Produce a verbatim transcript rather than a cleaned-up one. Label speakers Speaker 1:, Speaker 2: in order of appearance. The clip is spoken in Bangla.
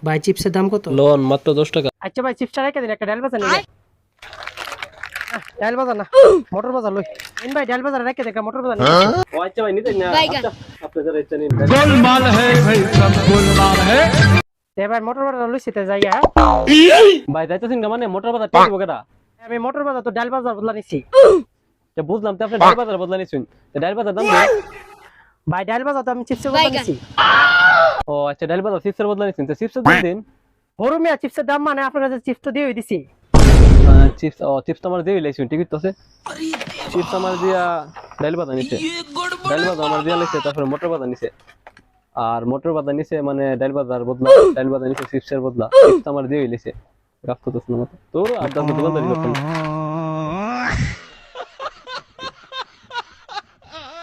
Speaker 1: ভাই চিপসের দাম কত?
Speaker 2: লোন মাত্র দশ টাকা।
Speaker 1: আচ্ছা ভাই চিপসটা রেখে দিন, একটা ডাল বাজার নিয়ে ডাল বাজার না মোটর বাজার লই এন ভাই, ডাল বাজার রেখে দেন, একটা মোটর বাজার নিয়ে
Speaker 2: ও আচ্ছা ভাই নিতেন না, আচ্ছা আপনি যারা ইচ্ছা নিন।
Speaker 3: गोलमाल है भाई, सब गोलमाल है।
Speaker 1: তে ভাই মোটর বাজার লইছি তে যাইয়া
Speaker 2: ভাই যাইতেছেন না মানে মোটর বাজার টেক বগেরা।
Speaker 1: আমি মোটর বাজার তো ডাল বাজার বদলা নিছি।
Speaker 2: তো বুঝলাম তো আপনি ডাল বাজার বদলা নিছেন, তো ডাল বাজার দাম দেন।
Speaker 1: ভাই ডাল বাজার তো আমি চিপসের বদলা নিছি।
Speaker 2: ও আচ্ছা ডাল বাজার চিপসের বদলা নিছেন, তো চিপসের দাম দিন।
Speaker 1: বড় মিয়া চিপসের দাম মানে আপনার কাছে চিপস তো দিয়ে দিছি।
Speaker 2: চিপস ও চিপস আমার দিয়ে লাইছেন, টিকিট তো আছে। চিপস আমার দিয়া ডাল বাজার নিছে, ডাল বাজার আমার দিয়া লাইছে, তারপরে মোটর বাজার নিছে। আর মোটর বাজার নিছে মানে ডাল বাজার বদলা, ডাল বাজার নিছে চিপসের বদলা, চিপস আমার দিয়ে লাইছে। রাস্তা তো শোনা মতো তোর আর দাম দোকানদারি করতেন।